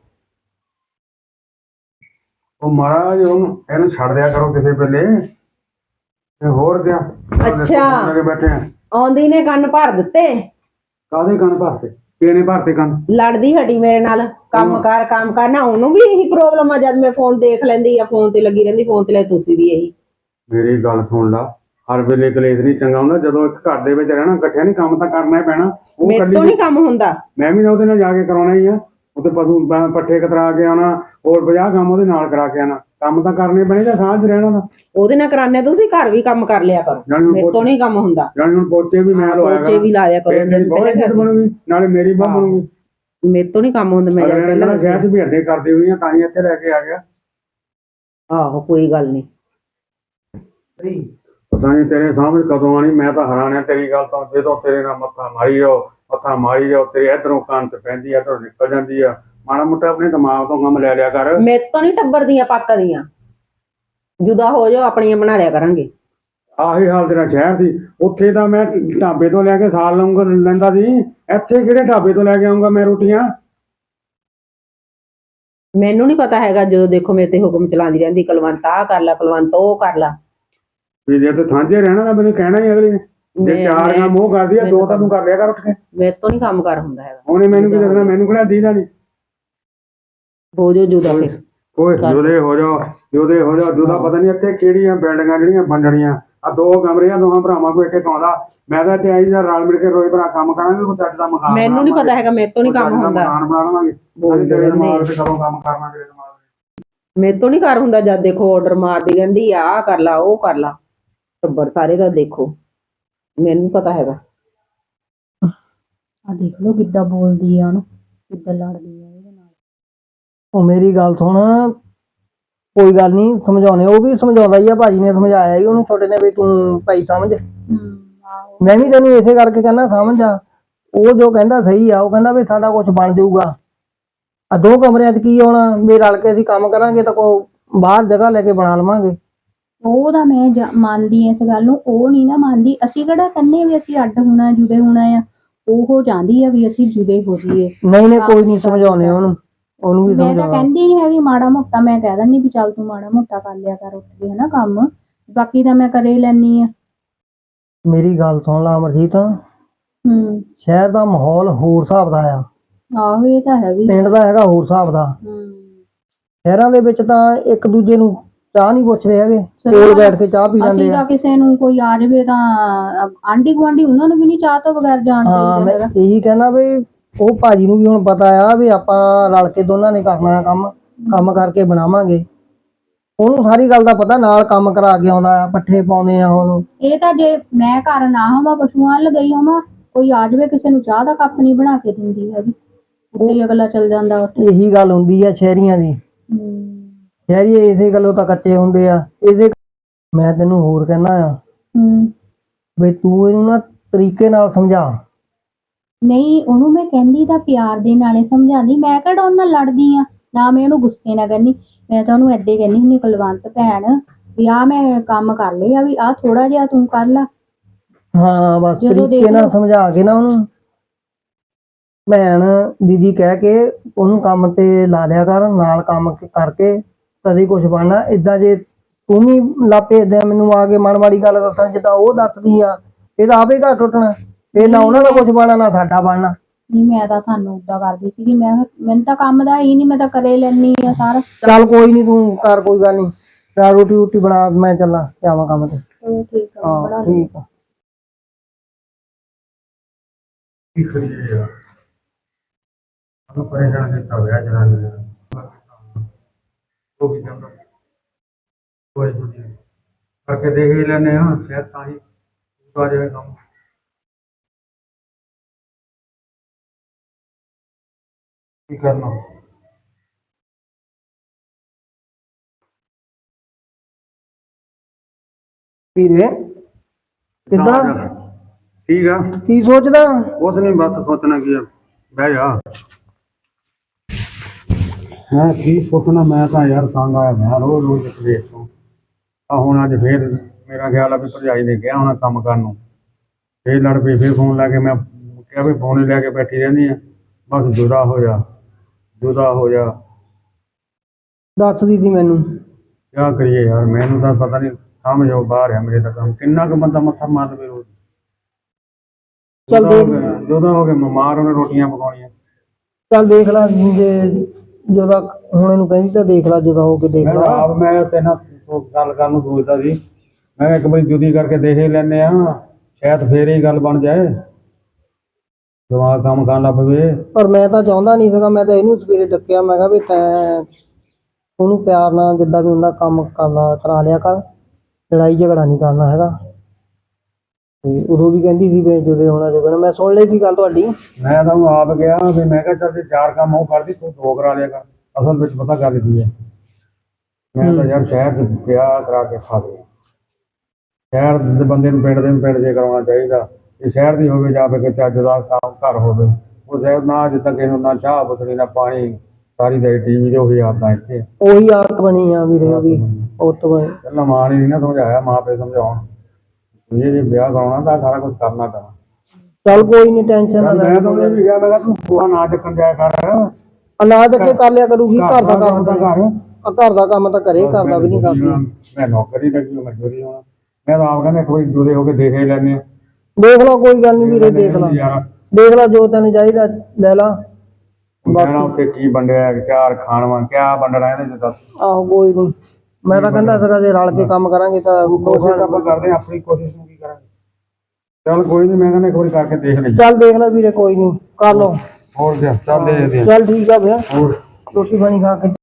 S4: ਉਹ ਮਹਾਰਾਜ ਉਹਨੂੰ ਇਹਨੂੰ ਛੱਡ ਦਿਆ ਕਰੋ ਕਿਸੇ ਵੇਲੇ, ਤੇ ਹੋਰ ਦਿਆ।
S2: ਅੱਛਾ
S4: ਬੈਠੇ ਆ,
S2: ਆਉਂਦੀ ਨੇ ਕੰਨ ਭਰ ਦਿੱਤੇ।
S4: ਕਾਹਦੇ ਕੰਨ ਭਰਤੇ? ਕਿਹਨੇ ਭਰਤੇ ਕੰਨ?
S2: ਲੜਦੀ ਹਟੀ ਮੇਰੇ ਨਾਲ, ਕੰਮ ਕਰ ਕੰਮ ਕਰਨਾ। ਉਹਨੂੰ ਵੀ ਇਹੀ ਪ੍ਰੋਬਲਮ ਆ, ਜਦ ਮੈਂ ਫੋਨ ਦੇਖ ਲੈਂਦੀ ਆ, ਫੋਨ ਤੇ ਲੱਗੀ ਰਹਿੰਦੀ, ਫੋਨ ਤੇ ਲੈ। ਤੁਸੀਂ ਵੀ ਇਹੀ।
S4: ਮੇਰੀ ਗੱਲ ਸੁਣ ਲਾ, ਹਰ ਵੇਲੇ ਕਲੇਸ਼ ਨਹੀਂ ਚੰਗਾ ਹੁੰਦਾ। ਜਦੋਂ ਇੱਕ ਘਰ ਦੇ ਵਿੱਚ ਰਹਿਣਾ ਇਕੱਠਿਆਂ ਨਹੀਂ, ਕੰਮ ਤਾਂ ਕਰਨਾ ਹੀ ਪੈਣਾ। ਉਹ
S2: ਮੇਰੇ ਤੋਂ ਨਹੀਂ ਕੰਮ ਹੁੰਦਾ।
S4: ਮੈਂ ਵੀ ਉਹਦੇ ਨਾਲ ਜਾ ਕੇ ਕਰਾਉਣਾ ਹੀ ਆ, ਉੱਥੇ ਪਸ਼ੂ ਪੱਠੇ ਕਤਰਾ ਕੇ ਆਉਣਾ, ਹੋਰ ਪੰਜਾਹ ਕੰਮ ਉਹਦੇ ਨਾਲ ਕਰਾ ਕੇ ਆਉਣਾ। ਕੰਮ ਤਾਂ ਕਰਨੇ ਪੈਣੇ ਜਾਂ ਸਾਂਝ ਰਹਿਣਾ ਦਾ।
S2: ਉਹਦੇ ਨਾਲ ਕਰਾਨੇ, ਤੁਸੀਂ ਘਰ ਵੀ ਕੰਮ ਕਰ ਲਿਆ ਕਰੋ, ਮੇਰੇ ਤੋਂ ਨਹੀਂ ਕੰਮ ਹੁੰਦਾ।
S4: ਜਾਨੀ ਹੁਣ ਪੋਚੇ ਵੀ ਮੈਂ ਲਵਾਇਆ
S2: ਪੋਚੇ ਵੀ ਲਾਇਆ ਕਰੋ,
S4: ਬਣੂਗੀ ਨਾਲੇ ਮੇਰੀ ਬਾਹ ਬਣੂਗੀ।
S2: ਮੇਰੇ ਤੋਂ ਨਹੀਂ ਕੰਮ ਹੁੰਦਾ। ਮੈਂ ਜਦ ਪਹਿਲਾਂ
S4: ਸ਼ਹਿਰ ਚ ਵੀ ਅੱਡੇ ਕਰਦੀ ਹੋਈ ਆ, ਤਾਂ ਹੀ ਇੱਥੇ ਲੈ ਕੇ ਆ ਗਿਆ।
S2: ਆਹੋ ਕੋਈ ਗੱਲ ਨਹੀਂ।
S4: ਪਤਾ ਨਹੀਂ ਤੇਰੇ ਸਾਹਮਣੇ ਕਦੋਂ ਆਣੀ, ਮੈਂ ਤਾਂ ਹੈਰਾਨ ਆ ਤੇਰੀ ਗੱਲ ਤੋਂ। ਜਦੋਂ ਤੇਰੇ ਨਾਲ ਮੱਥਾ ਮਾਰੀ ਜਾਓ, ਮੱਥਾ ਮਾਰੀ ਜਾਓ, ਤੇਰੇ ਇਧਰੋਂ ਕੰਨ ਚ ਪੈਂਦੀ ਆ, ਇੱਧਰੋਂ ਨਿਕਲ ਜਾਂਦੀ ਆ। ਮਾੜਾ ਮੋਟਾ ਆਪਣੇ ਦਿਮਾਗ ਤੋਂ ਕੰਮ ਲੈ ਲਿਆ ਕਰ।
S2: ਮੇਰੇ ਤੋਂ ਨਹੀਂ ਟੱਬਰ ਦੀਆਂ ਪੱਕਦੀਆਂ, ਜੁਦਾ ਹੋ ਜਾਓ, ਆਪਣੀਆਂ ਬਣਾ ਲਿਆ ਕਰਾਂਗੇ।
S4: ਆਹੀ ਹਾਲ ਤੇਰਾ ਸ਼ਹਿਰ ਸੀ। ਉੱਥੇ ਤਾਂ ਮੈਂ ਢਾਬੇ ਤੋਂ ਲੈ ਕੇ ਸਾਲ ਲਊਂਗਾ ਲੈਂਦਾ ਸੀ, ਇੱਥੇ ਕਿਹੜੇ ਢਾਬੇ ਤੋਂ ਲੈ ਕੇ ਆਊਂਗਾ ਮੈਂ ਰੋਟੀਆਂ?
S2: ਮੈਨੂੰ ਨਹੀਂ ਪਤਾ ਹੈਗਾ, ਜਦੋਂ ਦੇਖੋ ਮੇਰੇ ਤੇ ਹੁਕਮ ਚਲਾਉਂਦੀ ਰਹਿੰਦੀ, ਕੁਲਵੰਤ ਆਹ ਕਰ ਲਾ, ਕੁਲਵੰਤ ਉਹ ਕਰ ਲਾ।
S4: ਵੀ ਜੇ ਤੇ ਸਾਂਝੇ ਰਹਿਣਾ ਤਾਂ ਮੈਨੂੰ ਕਹਿਣਾ ਹੀ ਅਗਲੀ ਨੇ। ਜੇ
S2: ਮੈਂ-
S4: ਚਾਰ
S2: ਮੈਂ-
S4: ਕੰਮ ਉਹ ਕਰਦੀ ਆ ਦੋ ਤਾਂ ਤੂੰ ਕਰ ਲਿਆ ਕਰ ਉੱਠ ਕੇ।
S2: ਮੇਰੇ ਤੋਂ ਨਹੀਂ ਕੰਮ ਕਰ ਹੁੰਦਾ ਹੈਗਾ।
S4: ਉਹਨੇ ਮੈਨੂੰ ਕੀ ਦੱਸਣਾ, ਮੈਨੂੰ ਕਿਹੜਾ ਦੀਦਾ ਨਹੀਂ।
S2: ਹੋ ਜੋ ਜੁਦਾ ਫਿਰ।
S4: ਓਏ ਜੁਦੇ ਹੋ ਜਾਓ, ਜੁਦੇ ਹੋ ਜਾਓ। ਜੁਦਾ ਪਤਾ ਨਹੀਂ ਇੱਥੇ ਕਿਹੜੀਆਂ ਬਿਲਡਿੰਗਾਂ ਜਿਹੜੀਆਂ ਵੰਡਣੀਆਂ ਆ। ਦੋ ਕਮਰੇ ਆ, ਦੋਹਾਂ ਭਰਾਵਾਂ ਕੋਲ ਇੱਕ ਇੱਕ ਆਉਂਦਾ। ਮੈਂ ਤਾਂ ਇੱਥੇ ਆਈ ਜਾਂ ਰਲ ਮਿਲ ਕੇ ਰੋਈ ਭਰਾ ਕੰਮ ਕਰਾਂਗੇ, ਕੋਈ ਚੱਜ ਦਾ ਮਕਾਨ
S2: ਮੈਨੂੰ ਨਹੀਂ ਪਤਾ ਹੈਗਾ, ਮੇਰੇ ਤੋਂ ਨਹੀਂ ਕੰਮ ਹੁੰਦਾ।
S4: ਮਕਾਨ ਬਣਾ ਲਵਾਂਗੇ।
S2: ਬੋਲਦੇ
S4: ਤੇਰੇ
S2: ਰਹਿੰਦੇ
S4: ਦਿਮਾਗ ਤੇ ਕਦੋਂ ਕੰਮ ਕਰਨਾ ਤੇਰੇ ਦਿਮਾਗ ਤੇ।
S2: ਮੇਰੇ ਤੋਂ ਨਹੀਂ ਕਰ ਹੁੰਦਾ। ਜਦ ਦੇਖੋ ਆਰਡਰ ਮਾਰਦੀ ਰਹਿੰਦੀ ਆ, ਆਹ ਕਰ ਲਾ ਉਹ ਕਰ ਲਾ। ਟੱਬਰ ਸਾਰੇ ਦਾ ਦੇਖੋ, ਮੈਨੂੰ ਪਤਾ ਹੈਗਾ।
S1: ਆ ਦੇਖ ਲਓ ਕਿੱਦਾਂ ਬੋਲਦੀ ਆ ਉਹਨੂੰ, ਕਿੱਦਾਂ ਲੜਦੀ ਆ ਇਹਦੇ ਨਾਲ।
S3: ਉਹ ਮੇਰੀ ਗੱਲ ਸੁਣ, ਕੋਈ ਗੱਲ ਨਹੀਂ ਸਮਝਾਉਣੇ, ਉਹ ਵੀ ਸਮਝਾਉਂਦਾ ਹੀ ਆ। ਭਾਜੀ ਨੇ ਸਮਝਾਇਆ ਹੀ ਉਹਨੂੰ ਛੋਟੇ ਨੇ ਵੀ ਤੂੰ ਭਾਈ ਸਮਝ।
S1: ਹੂੰ ਆਹੋ
S3: ਮੈਂ ਵੀ ਤੈਨੂੰ ਇਸੇ ਕਰਕੇ ਕਹਿੰਦਾ ਸਮਝ ਆ। ਉਹ ਜੋ ਕਹਿੰਦਾ ਸਹੀ ਆ। ਉਹ ਕਹਿੰਦਾ ਵੀ ਸਾਡਾ ਕੁਝ ਬਣ ਜਾਊਗਾ। ਆ ਦੋ ਕਮਰਿਆਂ 'ਚ ਕੀ ਆਉਣਾ, ਵੀ ਰਲ ਕੇ ਅਸੀਂ ਕੰਮ ਕਰਾਂਗੇ ਤਾਂ ਕੋ ਬਾਹਰ ਜਗ੍ਹਾ ਲੈ ਕੇ ਬਣਾ ਲਵਾਂਗੇ।
S1: ਉਹ ਤਾਂ ਮੈਂ ਜਾ- ਮੰਨਦੀ ਐ ਇਸ ਗੱਲ ਨੂੰ, ਉਹ ਨਹੀਂ ਨਾ ਮੰਨਦੀ। ਅਸੀਂ ਕਿਹੜਾ ਕਹਿੰਦੇ ਵੀ ਅਸੀਂ ਅੱਡ ਹੋਣਾ ਜੁਦੇ ਹੋਣਾ ਆ। ਉਹ ਚਾਹੁੰਦੀ ਆ ਵੀ ਅਸੀਂ ਜੁਦੇ ਹੋ ਜਾਈਏ।
S3: ਨਹੀਂ ਨਹੀਂ ਕੋਈ ਨਹੀਂ ਸਮਝਾਉਣੇ ਉਹਨੂੰ, ਉਹਨੂੰ ਵੀ
S1: ਮੈਂ ਤਾਂ
S3: ਸਮਝਾਉਣਾ।
S1: ਕਹਿੰਦੀ ਨਹੀਂ ਹੈਗੀ ਮਾੜਾ ਮੋਟਾ, ਮੈਂ ਕਹਿ ਦਿੰਦੀ ਵੀ ਚੱਲ ਤੂੰ ਮਾੜਾ ਮੋਟਾ ਕਰ ਲਿਆ ਕਰ ਉੱਠ ਕੇ ਹਨਾ ਕੰਮ, ਬਾਕੀ ਤਾਂ ਮੈਂ ਕਰੇ ਲੈਣੀ ਆ।
S3: ਮੇਰੀ ਗੱਲ ਸੁਣ ਲਾ ਅਮਰਜੀਤ,
S1: ਹੂੰ
S3: ਸ਼ਹਿਰ ਦਾ ਮਾਹੌਲ ਹੋਰ ਹਿਸਾਬ ਦਾ ਆ,
S1: ਆਹੋ ਇਹ ਤਾਂ ਹੈਗੀ।
S3: ਪਿੰਡ ਦਾ ਹੈਗਾ ਹੋਰ ਹਿਸਾਬ ਦਾ।
S1: ਹੂੰ
S3: ਸ਼ਹਿਰਾਂ ਦੇ ਵਿੱਚ ਤਾਂ ਇੱਕ ਦੂਜੇ ਨੂੰ ਚਾਹ ਨਹੀਂ ਪੁੱਛਦੇ ਹੈਗੇ,
S1: ਸਹੀ
S3: ਕੋਲ
S1: ਗੱਲ ਆ।
S3: ਬੈਠ ਕੇ ਚਾਹ ਪੀ
S1: ਅਸੀਂ
S3: ਲੈਂਦੇ ਆ।
S1: ਤਾਂ ਕਿਸੇ ਨੂੰ ਕੋਈ ਆ ਜਾਵੇ ਤਾਂ ਆਂਢੀ ਗੁਆਂਢੀ ਉਹਨਾਂ ਨੂੰ ਵੀ ਨਹੀਂ ਚਾਹ ਤੋਂ ਬਗੈਰ ਜਾਣ
S3: ਹਾਂ
S1: ਚਾਹੀਦਾ
S3: ਮੈਂ
S1: ਹੈਗਾ।
S3: ਇਹੀ ਕਹਿੰਦਾ ਵੀ ਉਹ ਭਾਜੀ ਨੂੰ ਵੀ ਹੁਣ ਪਤਾ ਆ ਵੀ ਆਪਾਂ ਰਲ ਕੇ ਦੋਨਾਂ ਨੇ ਕਰਨਾ ਆ ਕੰਮ, ਕੰਮ ਕਰਕੇ ਬਣਾਵਾਂਗੇ। ਉਹਨੂੰ ਸਾਰੀ ਗੱਲ ਦਾ ਪਤਾ, ਨਾਲ ਕੰਮ ਕਰਾ ਕੇ ਆਉਂਦਾ ਆ, ਪੱਠੇ ਪਾਉਂਦੇ ਆ ਉਹਨੂੰ।
S1: ਇਹ ਤਾਂ ਜੇ ਮੈਂ ਘਰ ਨਾ ਹੋਵਾਂ, ਪਸ਼ੂਆਂ ਵੱਲ ਗਈ ਹੋਵਾਂ, ਕੋਈ ਆ ਜਾਵੇ ਕਿਸੇ ਨੂੰ ਚਾਹ ਦਾ ਕੱਪ ਨਹੀਂ ਬਣਾ ਕੇ ਦਿੰਦੀ ਹੈਗੀ, ਉੱਤੇ ਹੀ ਅਗਲਾ ਚੱਲ ਜਾਂਦਾ ਉੱਠ।
S3: ਇਹੀ ਗੱਲ ਹੁੰਦੀ ਆ ਸ਼ਹਿਰੀਆਂ ਦੀ।
S1: ਹੂੰ
S3: ਸ਼ਹਿਰੀ ਇਸੇ ਗੱਲੋਂ ਤਾਂ ਕੱਚੇ ਹੁੰਦੇ ਆ। ਇਸੇ ਮੈਂ ਤੈਨੂੰ ਹੋਰ ਕਹਿਣਾ ਆ
S1: ਹੂੰ
S3: ਵੀ ਤੂੰ ਇਹਨੂੰ ਨਾ ਤਰੀਕੇ ਨਾਲ ਸਮਝਾ।
S1: ਨਹੀਂ ਉਹਨੂੰ ਮੈਂ ਕਹਿੰਦੀ ਤਾਂ ਪਿਆਰ ਦੇ ਨਾਲੇ ਸਮਝਾਉਂਦੀ, ਮੈਂ ਕਿਹੜਾ ਉਹਨਾਂ ਨਾਲ ਲੜਦੀ ਆ, ਨਾ ਮੈਂ ਉਹਨੂੰ ਗੁੱਸੇ ਨਾਲ ਕਹਿੰਦੀ। ਮੈਂ ਤਾਂ ਉਹਨੂੰ ਏਦਾਂ ਹੀ ਕਹਿੰਦੀ ਹੁੰਦੀ, ਕੁਲਵੰਤ ਭੈਣ ਵੀ ਆਹ ਮੈਂ ਕੰਮ ਕਰ ਲਿਆ, ਵੀ ਆਹ ਥੋੜਾ ਜਿਹਾ ਤੂੰ ਕਰ ਲਾ।
S3: ਹਾਂ ਬਸ
S1: ਜਦੋਂ
S3: ਤਰੀਕੇ
S1: ਦੇਖ
S3: ਨਾਲ
S1: ਲਓ।
S3: ਸਮਝਾ ਕੇ ਨਾ ਉਹਨੂੰ, ਭੈਣ ਦੀਦੀ ਕਹਿ ਕੇ ਉਹਨੂੰ ਕੰਮ ਤੇ ਲਾ ਲਿਆ ਕਰ, ਨਾਲ ਕੰਮ ਕ- ਕਰਕੇ ਕਦੇ ਕੁਝ ਬਣਨਾ। ਏਦਾਂ ਜੇ ਤੂੰ ਵੀ ਲਾਪੇ ਏਦਾਂ ਮੈਨੂੰ ਆ ਕੇ ਮਨ ਮਾੜੀ ਗੱਲ ਦੱਸਣ ਜਿੱਦਾਂ ਉਹ ਦੱਸਦੀ ਆ, ਇਹ ਤਾਂ ਆਪੇ ਘਰ ਟੁੱਟਣਾ। ਇਹ ਨਾ ਉਹਨਾਂ ਦਾ ਕੁਝ ਬਣਨਾ ਨਾ ਸਾਡਾ ਬਣਨਾ।
S1: ਨਹੀਂ ਮੈਂ ਤਾਂ ਤੁਹਾਨੂੰ ਉਦਾਂ ਕਰਦੀ ਸੀਗੀ, ਮੈਂ ਕਿਹਾ ਮੈਨੂੰ ਤਾਂ ਕੰਮ ਦਾ ਹੀ ਨਹੀਂ, ਮੈਂ ਤਾਂ ਕਰੇ ਲੈਣੀ ਆ ਸਾਰਾ।
S3: ਚੱਲ ਕੋਈ ਨਹੀਂ ਤੂੰ ਕਰ, ਕੋਈ ਗੱਲ ਨਹੀਂ। ਚਾਹ ਰੋਟੀ ਰੋਟੀ ਬਣਾ, ਮੈਂ ਚੱਲਾਂ ਜਾਵਾਂ ਕੰਮ ਤੇ।
S1: ਚਲੋ ਠੀਕ ਆ, ਬਣਾ
S3: ਹਾਂ
S1: ਲਓ।
S3: ਠੀਕ ਆ।
S4: ਕੀ ਕਰੀਏ ਯਾਰ, ਉਹਨੂੰ ਪਰੇਸ਼ਾਨ ਕੀਤਾ ਹੋਇਆ ਜਨਾਨੀ ਨੇ। ਉਹ ਵੀ ਕਹਿੰਦਾ ਕੋਈ ਨਹੀਂ ਕਰਕੇ ਦੇਖ ਹੀ ਲੈਂਦੇ ਹਾਂ, ਸ਼ਾਇਦ ਤਾਂ ਹੀ ਆ ਜਾਵੇ ਕੰਮ। ਕੀ ਕਰਨਾ।
S3: ਵੀਰੇ ਕਿੱਦਾਂ,
S4: ਠੀਕ ਆ।
S3: ਕੀ ਸੋਚਦਾ?
S4: ਕੁਛ ਨਹੀਂ, ਬਸ ਸੋਚਣਾ ਕੀ ਆ, ਬਹਿ ਜਾ। ਮੈਂ ਕੀ ਸੋਚਣਾ, ਮੈਂ ਤਾਂ ਯਾਰ ਤੰਗ ਆਇਆ ਮੈਂ ਰੋਜ਼ ਰੋਜ਼ ਇਸ ਦੇਸ਼ ਤੋਂ। ਆ ਹੁਣ ਅੱਜ ਫੇਰ ਮੇਰਾ ਖਿਆਲ ਆ ਵੀ ਭਰਜਾਈ ਨੇ ਕਿਹਾ ਹੋਣਾ ਕੰਮ ਕਰਨ ਨੂੰ, ਫੇਰ ਲੜ ਪਈ। ਫੇਰ ਫੋਨ ਲਾ ਕੇ ਮੈਂ ਕਿਹਾ ਵੀ ਫੋਨ ਹੀ ਲੈ ਕੇ ਬੈਠੀ ਰਹਿੰਦੀ ਆ, ਬਸ ਜੁਦਾ ਹੋ ਜਾ ਜੁਦਾ ਹੋ ਜਾ।
S3: ਦੱਸਦੀ ਸੀ ਮੈਨੂੰ।
S4: ਕਿਆ ਕਰੀਏ ਯਾਰ, ਮੈਨੂੰ ਤਾਂ ਪਤਾ ਨਹੀਂ, ਸਮਝ ਆਓ ਬਾਹਰ ਆ ਮੇਰੇ ਤਾਂ ਕੰਮ। ਕਿੰਨਾ ਕੁ ਬੰਦਾ ਮੱਥਾ ਮਾਰ ਲਵੇ ਰੋਜ਼।
S3: ਚੱਲ
S4: ਜੁਦਾ ਹੋ
S3: ਦੇਖ,
S4: ਗਿਆ, ਜੁਦਾ ਹੋ ਕੇ ਬਿਮਾਰ ਉਹਨੇ ਰੋਟੀਆਂ ਪਕਾਉਣੀਆਂ।
S3: ਚੱਲ ਦੇਖ ਲਾ ਜੇ ਜਦੋਂ ਹੁਣ ਇਹਨੂੰ ਕਹਿੰਦੀ ਤਾਂ ਦੇਖ ਲਾ, ਜਦੋਂ ਹੋ ਕੇ ਦੇਖ
S4: ਮੈਂ
S3: ਲਾ।
S4: ਆਪ ਮੈਂ ਤੇ ਨਾ ਸੋ- ਗੱਲ ਕਰਨ ਨੂੰ ਸੋਚਦਾ ਸੀ, ਮੈਂ ਕਿਹਾ ਇੱਕ ਵਾਰੀ ਜੁਦੀ ਕਰਕੇ ਦੇਖ ਹੀ ਲੈਂਦੇ ਆ, ਸ਼ਾਇਦ ਫੇਰ ਹੀ ਗੱਲ ਬਣ ਜਾਏ, ਦਿਮਾਗ ਕੰਮ ਕਰਨ ਲੱਗ ਪਵੇ।
S3: ਪਰ ਮੈਂ ਤਾਂ ਚਾਹੁੰਦਾ ਨਹੀਂ ਸੀਗਾ। ਮੈਂ ਤਾਂ ਇਹਨੂੰ ਸਵੇਰੇ ਡੱਕਿਆ, ਮੈਂ ਕਿਹਾ ਵੀ ਤੈਂ ਉਹਨੂੰ ਪਿਆਰ ਨਾਲ ਜਿੱਦਾਂ ਵੀ ਹੁੰਦਾ ਕੰਮ ਕਰਨਾ ਕਰਾ ਲਿਆ ਕਰ, ਲੜਾਈ ਝਗੜਾ ਨਹੀਂ ਕਰਨਾ ਹੈਗਾ। ਤੇ ਉਦੋਂ ਵੀ ਕਹਿੰਦੀ ਸੀ ਵੀ ਜਦੋਂ ਹੋਣਾ ਜਦੋਂ, ਮੈਂ ਸੁਣ ਲਈ ਸੀ ਗੱਲ ਤੁਹਾਡੀ।
S4: ਮੈਂ ਤਾਂ ਉਹਨੂੰ ਆਪ ਗਿਆ ਵੀ ਮੈਂ ਕਿਹਾ ਚੱਲ ਜੇ ਚਾਰ ਕੰਮ ਉਹ ਕਰਦੀ ਤੂੰ ਦੋ ਕਰਾ ਲਿਆ ਕਰ। ਅਸਲ ਵਿੱਚ ਪਤਾ ਗੱਲ ਕੀ ਹੈ, ਮੈਂ ਤਾਂ ਯਾਰ ਸ਼ਹਿਰ 'ਚ ਵਿਆਹ ਕਰਾ ਕੇ ਖਾ ਲਿਆ। ਸ਼ਹਿਰ ਦੇ ਬੰਦੇ ਨੂੰ ਪਿੰਡ ਦੇ ਨੂੰ ਪਿੰਡ 'ਚ ਕਰਾਉਣਾ ਚਾਹੀਦਾ। ਜੇ ਸ਼ਹਿਰ ਦੀ ਹੋਵੇ ਜਾਂ ਫਿਰ ਚੱਜ ਦਾ ਕੰਮ ਘਰ ਹੋਵੇ, ਉਹ ਸ਼ਹਿਰ ਨਾ ਜਿੱਦਾਂ ਕਿਸੇ ਨੂੰ ਨਾ ਚਾਹ ਪੁੱਛਣੀ ਨਾ ਪਾਣੀ, ਸਾਰੀ ਦਿਹਾੜੀ ਟੀ ਵੀ ਦੇ ਉਹੀ ਆਦਤਾਂ ਇੱਥੇ।
S3: ਉਹੀ ਆਦਤ ਬਣੀ ਆ ਵੀਰੇ ਉਹਦੀ, ਉਤ ਬਣੀ।
S4: ਪਹਿਲਾਂ ਮਾਂ ਨੇ ਨਹੀਂ ਨਾ ਸਮਝਾਇਆ, ਮਾਂ ਪਿਓ ਸਮਝਾਉਣ ਇਹ ਜੇ ਵਿਆਹ ਕਰਾਉਣਾ ਤਾਂ ਸਾਰਾ ਕੁਝ ਕਰਨਾ ਪੈਣਾ।
S3: ਚੱਲ ਕੋਈ ਨਹੀਂ, ਟੈਨਸ਼ਨ ਨਾ ਲੈ।
S4: ਮੈਂ ਤਾਂ ਉਹਨੇ ਵੀ ਕਿਹਾ, ਮੈਂ ਕਿਹਾ ਤੂੰ ਬੂਹਾ ਨਾ ਚੱਕਣ ਜਾਇਆ ਕਰ,
S3: ਅਨਾਜ ਅੱਗੇ ਕਰ ਲਿਆ ਕਰੂਗੀ, ਘਰ ਦਾ ਕੰਮ ਤਾਂ
S4: ਘਰ
S3: ਆ, ਘਰ ਦਾ ਕੰਮ ਤਾਂ ਘਰੇ, ਘਰ ਦਾ ਵੀ ਨਹੀਂ ਕਰਦੀ।
S4: ਮੈਂ ਨੌਕਰੀ ਲੱਗੀ, ਮਜ਼ਦੂਰੀ ਹੋਣਾ। ਮੈਂ ਤਾਂ ਆਪ ਕਹਿੰਦਾ ਇੱਕ ਵਾਰੀ ਜੁਦੇ ਹੋ ਕੇ ਦੇਖ ਹੀ ਲੈਂਦੇ ਹਾਂ,
S3: ਦੇਖ ਲਾ ਕੋਈ ਗੱਲ ਨਹੀਂ ਵੀਰੇ, ਦੇਖ ਲਾ
S4: ਯਾਰ
S3: ਦੇਖ ਲਾ ਜੋ ਤੈਨੂੰ ਚਾਹੀਦਾ ਲੈ ਲਾ।
S4: ਕਹਿਣਾ ਉੱਥੇ ਕੀ ਵੰਡਿਆ ਚਾਰ ਖਾਣਵਾ ਕਿਆ ਵੰਡਣਾ ਇਹਦੇ ਚ ਦੱਸ।
S3: ਆਹੋ ਕੋਈ ਨਹੀਂ, ਮੈਂ ਤਾਂ ਕਹਿੰਦਾ ਸੀਗਾ ਜੇ ਰਲ ਕੇ ਕੰਮ ਕਰਾਂਗੇ ਤਾਂ
S4: ਕੋਸ਼ਿਸ਼ ਆਪਾਂ ਕਰਦੇ ਹਾਂ, ਆਪਣੀ ਕੋਸ਼ਿਸ਼ ਨੂੰ ਕੀ ਕਰਾਂਗੇ। ਚੱਲ ਕੋਈ ਨਹੀਂ, ਮੈਂ ਕਹਿੰਦਾ ਇੱਕ ਵਾਰੀ ਕਰਕੇ ਦੇਖ ਲਈ।
S3: ਚੱਲ ਦੇਖ ਲੈ ਵੀਰੇ, ਕੋਈ ਨਹੀਂ ਕਰ ਲਓ।
S4: ਹੋਰ ਕਿਆ, ਚੱਲ ਦੇਖਦੇ ਹਾਂ।
S3: ਚੱਲ ਠੀਕ ਆ ਭਈਆ,
S4: ਹੋਰ
S3: ਰੋਟੀ ਪਾਣੀ ਖਾ ਕੇ